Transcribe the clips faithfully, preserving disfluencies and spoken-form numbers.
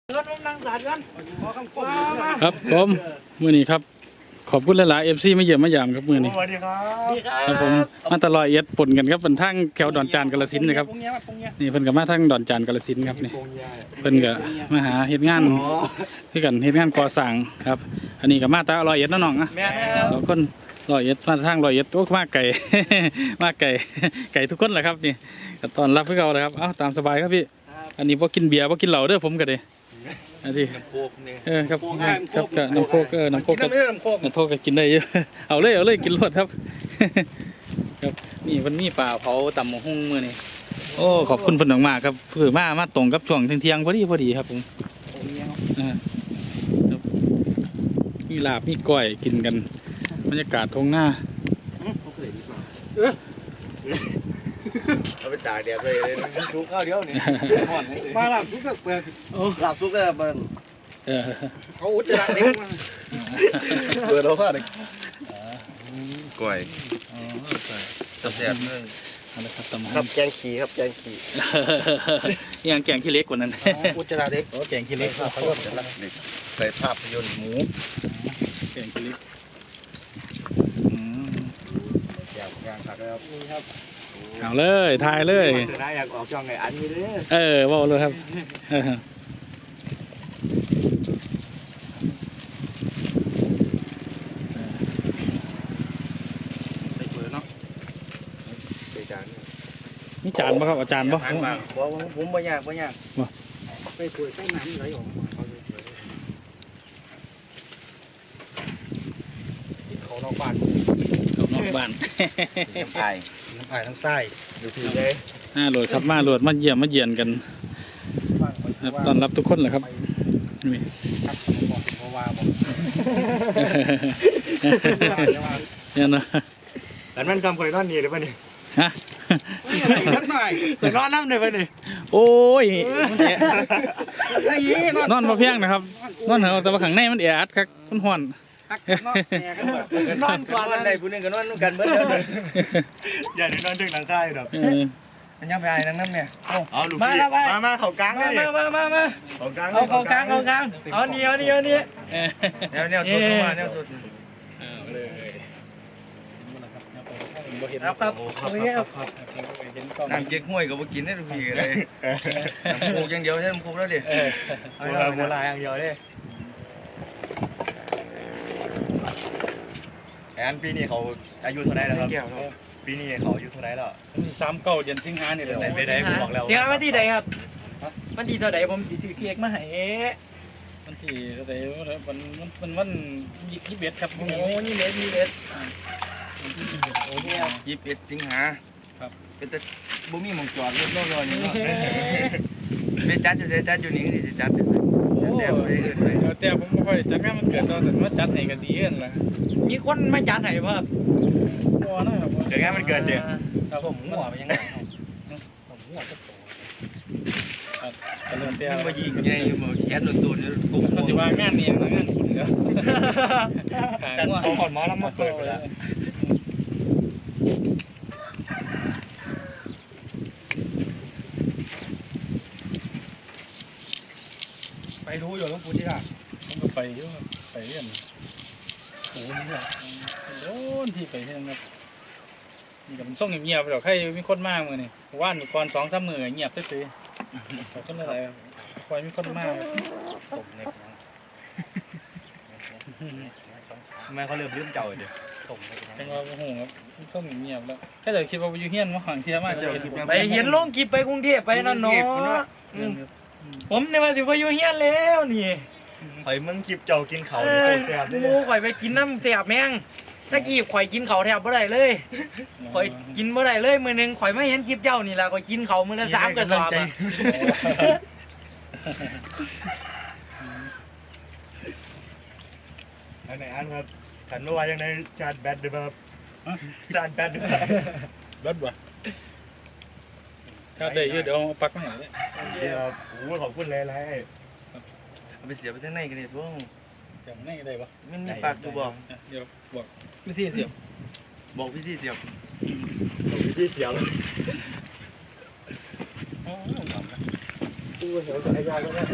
ครับผมมือนี้ครับขอบคุณหลายๆเอฟซีมาเยี่ยมมายามครับมือนี้สวัสดีครับครับผมมาตลอดเอ็ดปนกันครับเป็นทั้งแถวดอนจานกาฬสินธุ์นะครับนี่เพิ่นกับมาทั้งดอนจานกาฬสินธุ์ครับนี่เพิ่นกับมาหาเฮ็ดงานที่กันเฮ็ดงานก่อสร้างครับอันนี้กับมาตาลอยเอ็ดน้องๆนะเราคนลอยเอ็ดมาทางลอยเอ็ดโอ้มาไก่ มาไก่ไก่ทุกคนแหละครับนี่ตอนรับพวกเราเลยครับเอ้าตามสบายครับพี่อันนี้พวกกินเบียร์พวกกินเหล้าเด้อผมกันเลยอันนี้เออครับครับกับน้ำโคกเออน้ำโคกกับน้ำโคกน้ำโคกก็กินได้เยอะเอาเลยเอาเลยกินรวดครับครับนี่มันมีปลาเผาตำหมูหุ้งมือนี่โอ้ขอบคุณเพิ่นมากๆครับเพื่อมามาตรงกับช่วงเที่ยงๆพอดีพอดีครับผมมีลาบมีก้อยกินกันบรรยากาศทงหน้าเอาไปตากแดดเลยเลยซุกข้าวเดียวนี่มาหลับซุกกับเปลือกหลับซุกเลยเบิ้งเขาอุจจาระเด็กเปิดเราผ้าเด็กก้อยตับแซ่บเลยครับแกงขี้ครับแกงขี้ยังแกงขี้เล็กกว่านั้นอุจจาระเด็กแกงขี้เล็กเขาเรียกใส่ภาพยนตร์หมูแกงขี้เล็กอยากอยากตักเลยครับนี่ครับเอาเลยทายเลยได้อยากออกช่องไงอันนี้เลยเออว่าเลยครับใส่เปลือกเนาะใส่จานนี่จานป่ะครับอาจารย์ป่ะผมผมไม่ยากไม่ยากใส่เปลือกใส่น้ำไหลออกเขานอกบ้านเขานอกบ้านน้ำพายน้ำพายน้ำไส้ดูทีเลยน่าโหลดครับมาโหลดมาเยี่ยมมาเยียนกันต้อนรับทุกคนแหละครับนี่เนี่ยนะแต่มันคำเคยนอนนี่หรือเปล่านี่ฮะเคยนอนน้ำเลยป่ะนี่โอ้ยนอนมาเพียงนะครับนอนเหรอแต่ว่าข้างในมันแออัดครับมันห่อนนอนก่อนอะไรผู้นึงก็นอนกันเบิ้ลเลยอย่าได้นอนถึงหลังคาอยู่ดอกมันยังไปไอ้นั่งน้ำเนี่ยเอาลูกพี่มามาเขากลางมามามามาเขากลางเอาเขากลางเขากลางเอาเนียวเนียวเนียวเนียวเนียวสุดมาเนียวสุดครับครับน้ำเก๊กห้วยกับกินได้ทุกทีเลยน้ำโคกอย่างเดียวใช่น้ำโคกแล้วดิโบราณอย่างเดียวเลยอันปีนี้เขาอายุเท่าไหร่แล้วครับปีนี้เขาอายุเท่าไหร่แล้วมีสามเก้าเดือนสิงหาเนี่ยเลยไม่ได้ผมบอกแล้วเดี๋ยววันที่ใดครับวันที่เท่าไหร่ผมถือเค้กมาให้วันที่เท่าไหร่วันวันวันยี่สิบเอ็ดครับโอ้ยี่สิบเอ็ดยี่สิบเอ็ดโอ้เนี่ยยี่สิบเอ็ดสิงหาครับเป็นแต่บุ้มีมงจอดรถโน่นนี่เป็นจัดจะจัดอยู่นี่จะจัดแต่แต่ผมไม่ค่อยจัดงานมันเกิดตอนแต่ว่าจัดให้กันดีเองล่ะมีคนมาจัดให้ป่ะครับหัวนะครับเกิดงานมันเกิดเดี๋ยวครับผมหัวมันยังไงผมหัวก็โตครับแต่เรื่องเตี้ยมายิงไงมาแย่ตัวตัวนี่กูปัจจุบันงานนี้งานคุณเนาะกันเขาหอดหมอแล้วมาเปิดไปแล้วไปรู้อยู่ต้องพูดที่ละผมก็ไปเยอะไปเรื่อยโอ้นี่แหละโดนที่ไปเรื่อยครับนี่กับมันส่งเงียบๆไปหรอกใครมีคนมากมือนี่ว่านก่อนสองสามมือเงียบไปซื้อแต่คนอะไรคอยมีคนมากทำไมเขาเริ่มลืมเจ้าเดี๋ยวจังว่าโอ้โหครับส่งเงียบแล้วแค่แต่คิดว่าอยู่เฮียนว่าฝั่งเทียมากไปเห็นลงกิบไปกรุงเทพไปนั่นเนาะผมในวันที่ไปอยู่เฮียนแล้วนี่ข่อยมึงกิบเจ้ากินเขาแซ่บโอ้ข่อยไปกินน้ำแซ่บแมงตะกี้ข่อยกินเขาแทบไม่ได้เลยข่อยกินไม่ได้เลยมือนึงข่อยไม่เห็นกิบเจ้านี่แหละข่อยกินเขามือละสามกระสอบอันไหนอันครับขันเมื่อวานยังในจานแบดด้วยครับจานแบดด้วยรถวะถ้าได้เยอะเดี๋ยวปักมาหน่อยเดี๋ยวโอ้ขอบคุณเลยไรเอาไปเสียไปที่ไหนกันเนี่ยพวกอย่างไหนได้ปะมันมีปากดูบอกเดี๋ยวบอกวิธีเสียบบอกวิธีเสียบบอกวิธีเสียบโอ้ตู้เหี่ยวสายยางแล้วเนี่ย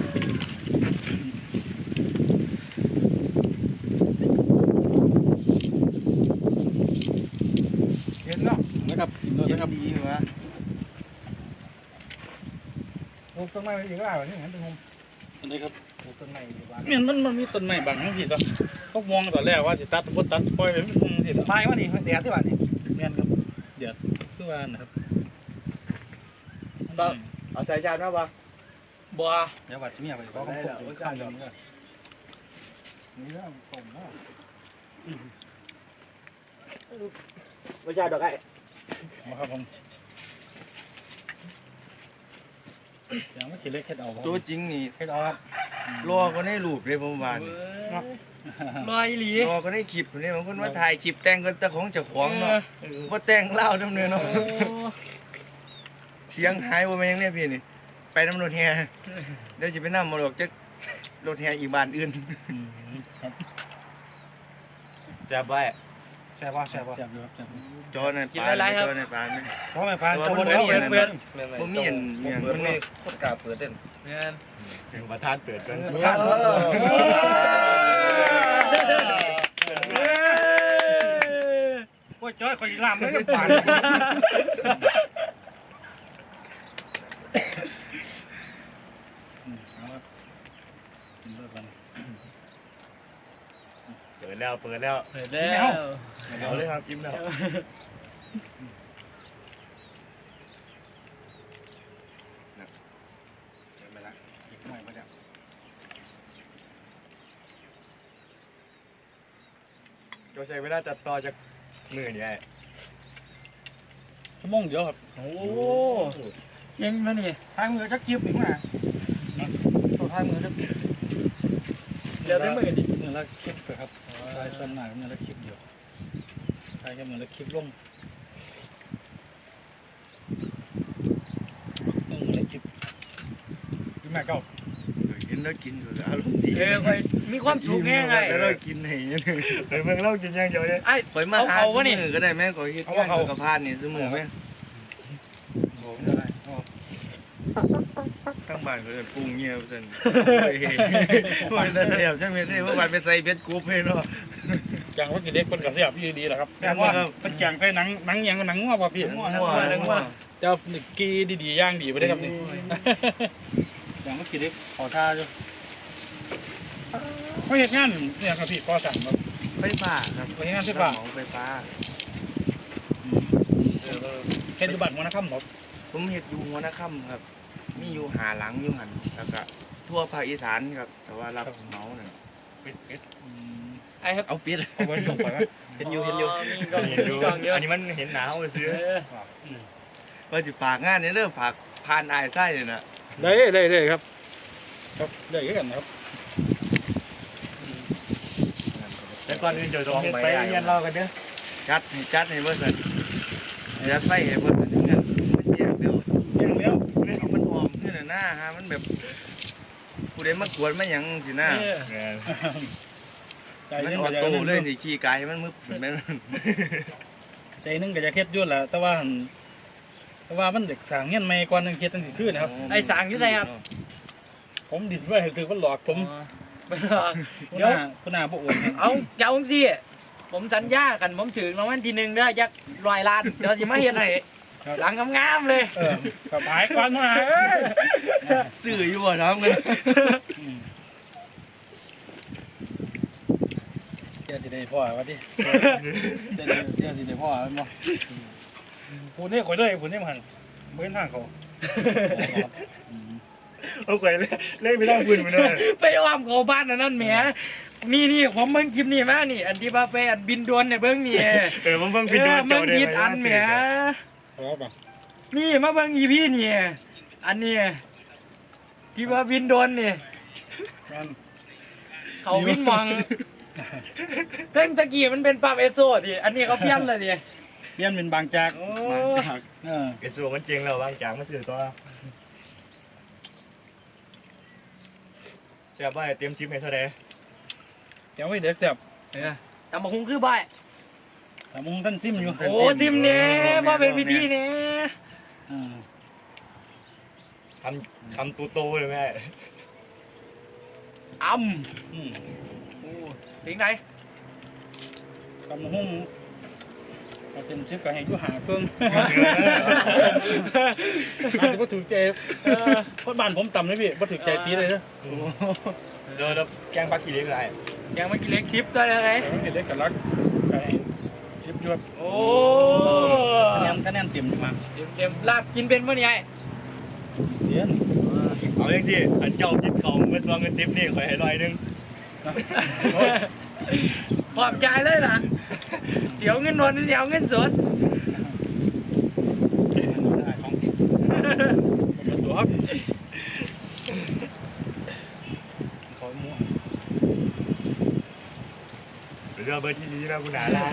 เห็นเนาะนะครับกินโดนนะครับดีวะปลูกต้นไม้อีกแล้วนี่เห็นต้นมอันนี้ครับปลูกต้นไม้อยู่บ้านเนี่ยมันมันมีต้นไม้บางทั้งทีตัวเขามองตอนแรกว่าสิตัดบ่ตัดปล่อยไปมันคงสิตัวไม้วะนี่แดดที่บ้านนี่แม่นครับเดี๋ยวคือว่านะครับเอาสายจานมาปะบัวเดี๋ยววัดที่เมียไปขอคำพูดข้างเดียวนี่นี่เรื่องต้มเนาะไม่ใช่ดอกไอ้มาครับผมอย่างไม่คิดเล็กแค่เอาครับตัวจริงนี่ให้เอาครับรอก็ได้รูปเลยผมว่านี่ลอยหลีรอก็ได้คลิปนี่บางคนว่าถ่ายคลิปแต่งกันแต่ของเจ้าของเนาะว่าแต่งเล่าดำเนินเนาะเสียงหายว่าแม่งเนี่ยพี่นี่ไปน้ำรถแห่เดี๋ยวจะไปนั่งมาหลอกจะรถแห่อีกบ้านอื่นครับแซ่บไปแซ่บว่าแซ่บว่าแซ่บอยู่ครับแซ่บอยู่จอในปลาจอในปลาไหมเพราะไม่พานตัวจะมับ่นได้ไม่เปิเห็ดนเปิดผมมีเห็นอย่างมันไม่โคตรกล้าเปิดเด่นแม่นถึงประธานเปิดกันโอ้ยจ้อยคอยลามเลยปานเปิดแล้วเปิดแล้วเปิดแล้วเอาเลยครับจิ้มแล้วไปละอีกหน่อยไปแล้วก็ใช้เวลาตัดต่อจากมือนี่ไอ้ชั่วโมงเดียวครับโอ้ยังมานี่ทางมือจะกิ๊บอีกมั้ยตัวทางมือจะเดี๋ยวได้มือดิเงินละคลิปครับใช้ต้นหนาเงินละคลิปเดียวใช้แค่เงินละคลิปลงเงินละคลิปกินแม่เก้ากินแล้วกินอยู่อารมณ์ดีเออคอยมีความสุขแง่ไงแล้วเรากินให้เนี่ยเฮ้ยเมื่อเรากินอย่างเดียวเนี่ยไอ้ไปมาหาเอาซื้เขาวะนี่อก็ได้แม่ก็คิดว่าเขากับพานนี่ซื้อมือไหมตั้งบ้านก็จะปรุงเงี้ยเพื่อนไม่ได้เสียบใช่ไหมที่ว่าบ้านไปใส่เบ็ดกรุ๊ปให้เนาะแกงรสกิเล็กเป็นกระเทียบพี่ดีแหละครับแต่ว่าเป็นแกงใส่หนังหนังยังหนังงัวป่ะพี่หัวหัวหัวเจ้าหนึ่งกีดีๆย่างดีไปได้ครับนี่แกงรสกิเล็กขอท่าจ้ะเขาเห็นงานเนี่ยครับพี่ก็สั่งแบบไฟฟ้าครับไปงานไฟฟ้าไฟฟ้าเช่นยุบัตรมรณะค่ำหมดผมเห็ดอยู่หัวหน้าค่ำครับ มีอยู่หาหลังอยู่หันแล้วก็ทั่วภาคอีสานครับ แต่ว่ารับเหมาเนี่ยเป็ดเป็ดไอ้ครับเอาเป็ดเอาไว้ลงไปไหมเห็นอยู่เห็นอยู่มีกล่องมีกล่องเยอะอันนี้มันเห็นหนาวเลยซื้อเออว่าจะฝากงานเนี่ยเริ่มฝากพานอายไส้เลยนะได้ได้ได้ครับครับได้กันนะครับแต่ก่อนอื่นจะต้องไปเรียนเรากันเด้อจัดให้จัดให้เพื่อนจัดไฟให้เพื่อนถึงเงินมันแยกเดียวยังแล้วมันหอมขึ้นหน้าฮะมันแบบผู้ใดมากวนมาหยังสิหน้าใจมันนึงอก็อจะโต้เลยสิขี่กายมันมึบเหมือนแม่ใจนึงก็จะเคล็ดยุ่นแหละแต่ว่าแต่ว่ามันเด็กสั่งเงี้ยไม่ก่อนนึงเคล็ดตั้งสี่คืนนะครับไอ้สางอยู่ไหนครับผมดิดไว้คือว่าหลอกผมไปรอคุณเดี๋ยวอาคุณอาบอกโอนเอาเจ้าสิผมสัญญากันผมถึงรางวัลที่หนึ่งเด้อยักลอยล้านเดี๋ยวสิมาเฮ็ดให้หลังงามๆเลยเออกับหายก่อนมาสื่ออยู่บ่น้ำกันเจ้าสิได้พ่อวะดิเจ้าเจ้าสิได้พ่อมั้งพูดนี่ข่อยเลยพูดนี่มันเบื้องทางเขาเอาไก่เลยเล่นไปนั่งพื้นไปเลยไปอ้อมเขาบ้านอันนั้นแหมนี่นี่ผมเบิ่งคลิปนี่มานี่ อันที่ว่าไปอันบินดวนเนี่ยเบิ่งนี่เออมันเพิ่งเอพิดโดอน มันผิดอันแหมพอป่ะนี่มาเบิ่งอีพี่นี่อันนี้ที่ว่าบินดวนนี่นั่นเขาวินมองเพิ่งตะกี้มันเป็นปั๊บเอสโซดิอันนี้เขาเพี้ยนเลยดิเปลี่ยนเป็นบางจากโอ้เออไอ้ส่วนมันจริงแล้วบางจางมาสื่อตัวเสียบ่ายเตรียมชิปให้เท่าไรเดี๋ยวไว้เด็กเสียบเออแต่มาคงคือบ่ายแต่มึงท่านซิมอยู่โอ้ซิมเนี่ยมาเป็นพิธีเนี่ยอ่าทำทคำตูโตเลยแม่อ้ำอืมถึงไหนกำหุ้งเอาเต็มชิปกับแห่งยุหาเครื่องอาจจะบ่ถูกใจเพราะบ้านผมต่ำเลยพี่บ่ถูกใจตีเลยนะเดี๋ยวแกงปลาขี้เหล็กอะไรยังไม่กินเล็กชิปได้เลยไงแต่ไม่เล็กกับรักไก่ชิปยวดโอ้คะแนนคะแนนเต็มมาเดี๋ยวเดี๋ยวลาบกินเป็นเมื่อไงเดี๋ยวเอาอย่างสิอันเจ้ากินของเมื่อซองเงินทิปนี่ขอให้ร้อยนึงปลอบใจเลยล่ะเดี๋ยวเงินนวลเดี๋ยวเงินสดของติดมันตัวครับขอมัวเรือเบอร์ที่นี้นะคุณหนาลา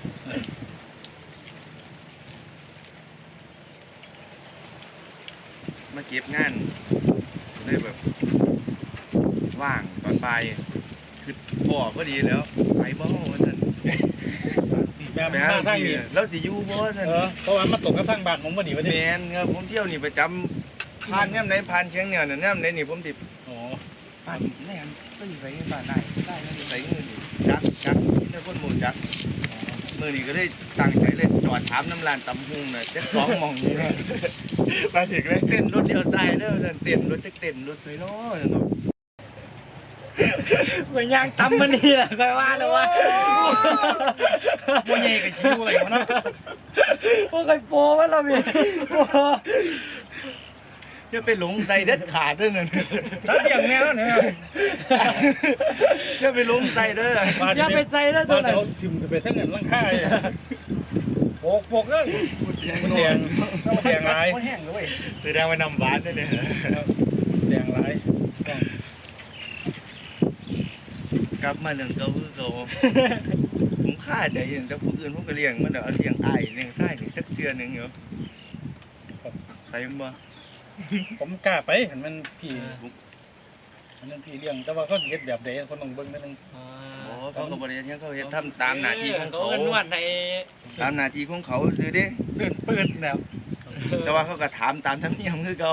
มาเก็บงานได้แบบว่างตอนไปคือพ่อก็ดีแล้วไปบ่ว่าซั่นแม่มาทางนี้แล้วสิอยู่บ่ว่าซั่นเออเพราะว่ามาตกกับทางบ้านผมพอดีวันแมนี้นครับผมเที่ยวนี่ประจำผ่านแง่มไหนผ่านเชียงเหนือเนี่ยแง่มไหนนี่ผมติอ๋อผ่านแน่นก็อยู่ไปบ้านได้ได้ก็อยู่ไปเงินจักจักที่ได้คนหมู่จักเมื่อนี้ก็ได้ตั้งใจเลยจอดถามน้ำลานตำหุงน่ะจะสองมองนี่มาถึงเลยเต้นรถเดียวใส่เด้อเต้นรถจะเต้นรถสวยเนาะเนาะเหมือนยางตำมันนี่แหละค่อยว่าเลยว่าโมเย่กับคิวอะไรวะนะพวกไอ้โปว่าเรามีโปจะไปหลงใส่เด็ดขาดเด้อนั่นถ้าเบี่ยงแนวเนี่ยจะไปหลงใส่เด้ออย่าไปใส่แล้วตัวไหนเขาทิมไปทั้งเงินร่างค่ายโปกโปกเลยมันแดงมันแดงลายแห้งเลยแสดงว่านำหวานด้วยเนี่ยแดงลายกลับมาเรื่องเก่าคือเก่าผมฆ่าใจอย่างแต่ผู้อื่นผมก็เลี้ยงมันเดี๋ยวเลี้ยงอ้ายเลี้ยงไส้นี่จักเทื่อนึงอยู่ไปบ่ผมกล้าไปเห็นมันพี่มันพี่เลี้ยงแต่ว่าเขาเฮ็ดแบบใดคนต้องเบิ่งนิดนึงโอ้เขาก็บ่ได้ยังเขาเฮ็ดทำตามหน้าที่ของเขาเขานวดในตามหน้าที่ของเขาซื่อเด้เดินเปิดแล้วแต่ว่าเขาก็ถามตามธรรมเนียมคือเก่า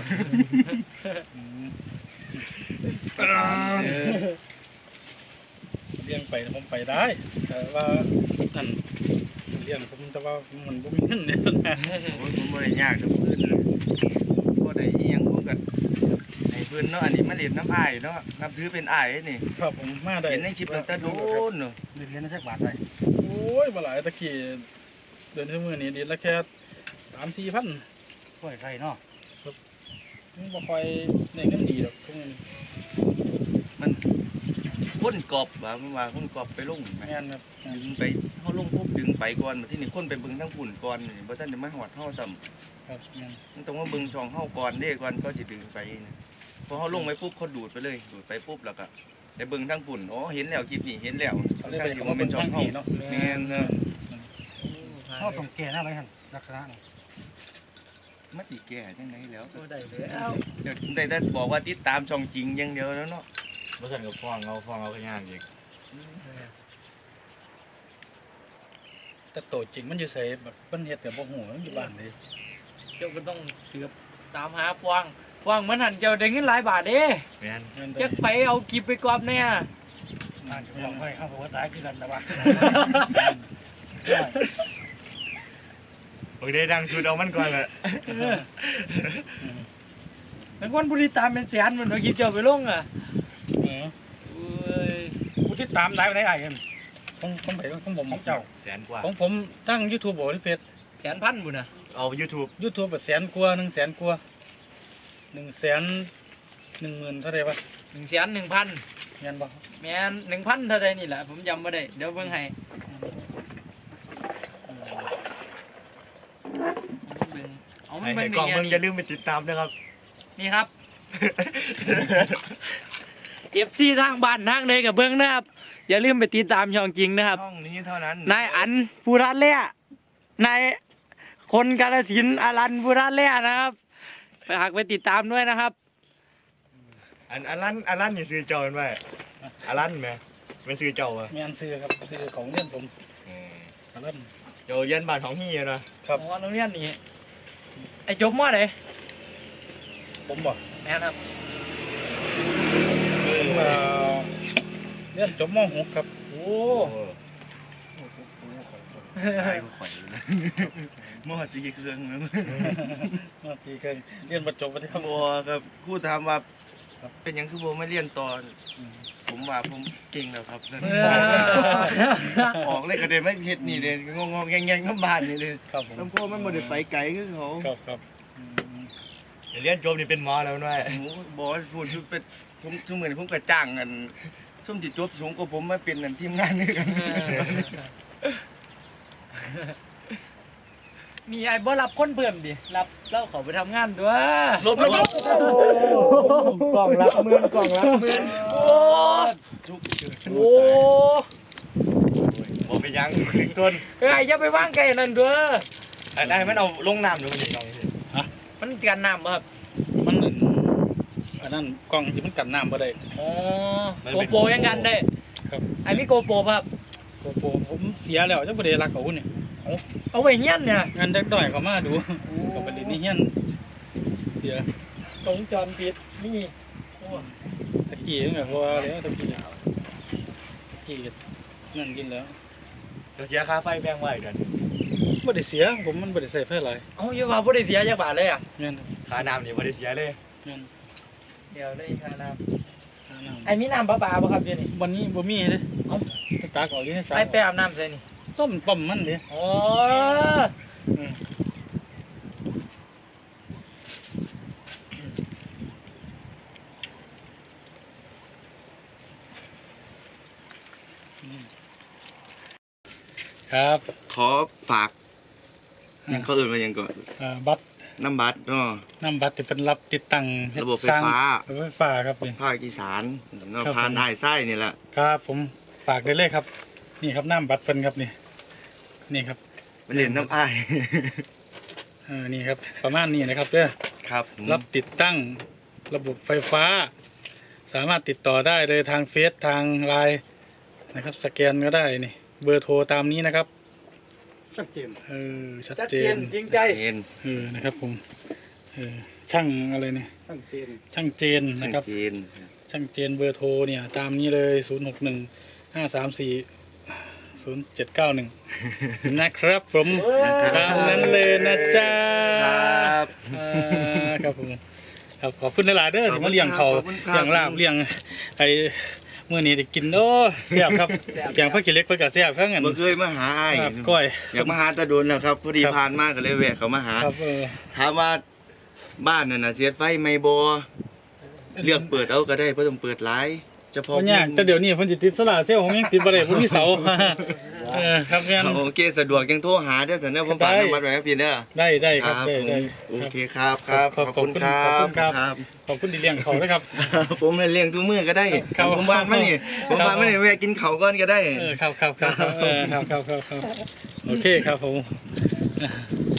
เออเลี้ยงไปผมไปได้แต่ว่านั่นเลี้ยงผมแต่ว่ามันบ่มีเงินเนี่ยนะโอ้ยผมบ่ได้ยากกับผู้อื่นเลยบ่ได้อีหยังผมก็ให้เพิ่นเนาะอันนี้มาเรียนน้ำอ้ายเนาะนับถือเป็นอ้ายนี่ครับผมมาได้เห็นในคลิปตั้งแต่โดนเนาะเรียนได้สักบาทได้โอ้ยบ่หลายตะกี้เดือนที่มื้อนี้เดือนละแค่ สามสี่พันช่วยใครเนาะมันบ่ค่อยได้เงินดีดอกทุกมื้อนี้มันคนกอบว่ามันว่าคนกอบไปลงแม่แม่นครับดึงไปเฮาลงปุ๊บดึงไปก่อนมาที่นี่คนไปเบิ่งทั้งฝุ่นก่อนนี่บ่ทันได้มาฮอดเฮาซ้ำครับแม่นมันต้องมาเบิ่งช่องเฮาก่อนเด้ก่อนก็สิดึงไปนะพอเฮาลงไปปุ๊บเขาดูดไปเลยดูดไปปุ๊บแล้วก็ไปเบิ่งทั้งฝุ่นอ๋อเห็นแล้วคลิปนี้เห็นแล้วเขาเลยทั้ไปงที่ขอว่าเป็เป็น นช่ช่ออง งเฮาพี่เนาะแม่นเนาะชอบตรงแก่หน้าไรหั่นลักษณะนี่มาติแก่จังไดแล้วได้แล้วเดี๋ยวได้แต่บอกว่าติดตามช่องจริงอย่างเดียวแล้วเนาะบ่ซั่นก็ฟ้องเอาฟ้องเอาขยานอีกแต่โตจริงมันอยู่ไสแบบเพิ่นเฮ็ดแต่บ่ฮู้มันอยู่บ้านเลยเจ้าก็ต้องเสือบตามหาฟางฟางมันหันเจ้าได้เงินหลายบาทเด้แม่นแม่นจะไปเอากิบไปกรอบเนี่ยอ่านจะลองให้เข้าหัวตายคือกันแต่ว่าโอเคดังสุดเอามันก่อนแหละเป็นคนบุรีตามเป็นแสนมันเอากิบเจ้าไปลงอ่ะเออเอ้ยผู้ที่ตามได้ได้ไอ้เห็นของของไปของผมของเจ้าแสนกว่าของผมตั้ง YouTube บ่ที่เฟซแสนพันบุญนะเอา YouTube YouTube แบบแสนกว่า1แสนกว่า1แสนหนึ่งหมื่นเท่าไหร่วะหนึ่งแสนหนึ่งพันแม่นบ่แม่นหนึ่งพันเท่าไรนี่แหละผมจำไม่ได้เดี๋ยวเบิ่งให้เบิ่งเอามัให้นให้เป็นกล้องย่ามึงนี้อย่าลืมไปติดตามนะครับนี่ครับ เอฟซีทางบ้านทางเลยกับเบิ้งนะครับ อย่าลืมไปติดตามช่องจริงนะครับช่องนี้เท่านั้นนายอันภูรัตเล่นายคนกาฬสินธุ์อรันภูรัตเล่นะครับไปหากไปติดตามด้วยนะครับอันอันนั้นอันนั้นนี่ซื้อเจ้าเป็นไว้อันนั้นแม่เป็นซื้อเจ้าอ่ะแม่นซื้อครับซื้อของเรียนผมอันนั้นเจ้าเย็นบ้านของเฮียเนาะครับอ๋อโรงเรียนนี้ไอ้จบมอไหนผมบ่แม่นครับเอ่อเรียนจบม .หก ครับโอ้มอสีเครื่องนะมสี่เคยเรียนประจบประเทศบัวครับครู่ถามว่าเป็นหยังคือบัวไม่เรียนตอน ผมว่าผมเก่งแล้วครับออกเลยก็ได้ไม่เฮ็ดนี่เลยงงๆแงงๆน้ำบานนี่เลยครับผมลำโพงมันบ่ได้ไปไกลคือเขาครับครับเรียนจบนี่เป็นหมอแล้วด้วยโอ้โหบอกว่าพูดคือเป็นผมทุกมื้อนี้ผมก็จ้างกันซุ่มจิตจบสูงกว่าผมมาเป็นนั่นทีมงานนี่กันมีไอ้บ่รับคนเพิ่มดิรับแล้วเขาไปทำงานด้วยลบลบกล่องรับเมือนกล่องรับเมือนโอ้โหบอกไปยังถึงต้นเอ้ยอย่าไปว่างไกลนั่นเด้ออันนั้นมันเอาลงน้ำหรือมันยังไงมันกันน้ำบ่ครับมันอันนั้นกล้องที่มันกันน้ำบ่ได้อ๋อโกโปรยังกันได้ครับไอ้มีโกโปรป่ะครับโกโปรผมเสียแล้วจังบ่ได้รักเขาเนี่ยเอาไว้เฮียนเนี่ยงานเด็กน้อยเขามาดูก็ไปเล่นนี่เฮียนเสียตรงจรปิดนี่ตะกี้ตั้งแต่พอแล้วตะกี้ตะกี้เงินกินแล้วเราเสียค่าไฟแพงไว้เดือนบ่ได้เสียผมมันบ่ได้ใส่ไฟหลายเอาอยู่ว่าบ่ได้เสียจักบาทเลยอ่ะเงินค่าน้ำนี่ไม่ได้เสียเลยเงินเดี๋ยวได้ค่าน้ค่าน้ำไอ้มีน้ำประปาบ่ครับเดี๋ยวนี้ำวันนี้บ่มีเด้เอ้าตากออกอยู่ในสาไอ้ไปอาบน้ำใส่นี่ต้มปั๊มมันเด้อ๋ออืมครับขอฝากยังเขาอื่นมายังก่อนอ่าบัตรน้ำบัตรเนาะนำบัตรที่เป็นรับติดตั้งเฮ็ดระบบไฟสร้งฟ้าระบบไฟฟ้าครับนี่ภาคอีสานเนาะครับพานได้ไส้นี่แหละครับผมฝากได้เลยครับ นี่ครับน้ำบัตรเพิ่นครับนี่นี่ครับไปเล่นน้ำอ้ายเออนี่ครับประมาณนี้นะครับเด้อครับผมรับติดตั้งระบบไฟฟ้า สามารถติดต่อได้เลยทางเฟซทางไลน์นะครับ สแกนก็ได้นี่เบอร์โทรตามนี้นะครับชัดเจนเออชัดชัดเจเจนนจริงใจเห็นเออนะครับผมเออช่างอะไรเนี่ยชัดเจนช่างเจนนะครับจีนช่างเจนเบอร์โทรเนี่ยตามนี้เลยศูนย์หกหนึ่งห้าสามสี่ศูนย์เจ็ดเก้าหนึ่งนะครับผมตามนั้นเลยนะจ๊ะครับอ่าครับผมครับขอบคุณหลายๆเด้อที่มาเลี้ยงเขาขอบคุณครับเลี้ยงลาบเลี้ยงไอ้เมื่อนี้ได้กินโอ้แซ่บครับเพียงพักกินเล็กเพื่อกะแซ่บเพื่อเงินเมื่อเคยมาหาอ้ายครับก้อยอยากมาหาตาโดนแล้วครับพอดีครับผ่านมากก็เลยแวะเขามาหาครับเออถามว่าบ้านนั่นน่ะเสียไฟไม่บอเลือกเปิดเอาก็ได้เพราะต้องเปิดหลายเฉพาะมันยากแต่เดี๋ยวนี้เพิ่นสิติดโซล่าร์เซลล์ผมยังติดบ่ได้ผมมีเสา เออครับงั้นโอเคสะดวกยังโทรหาเด้อสันเด้อผมฝากได้น้ำมัดไว้ให้พี่เด้อได้ได้คครัรับบ ได้ผมได้โอเคครับครับขอบขอบคุณขอบคุณครับขอบคุณครับครับขอบคุณที่เลี้ยงเขาด้วยครับผมเลี้ยงทุกมื้อก็ได้ครับผมบ้านมานี่ผมบ้านมานี่แวะกินข้าวก่อนก็ได้เออครับครับครับเออครับครับครับครับโอเคครับผม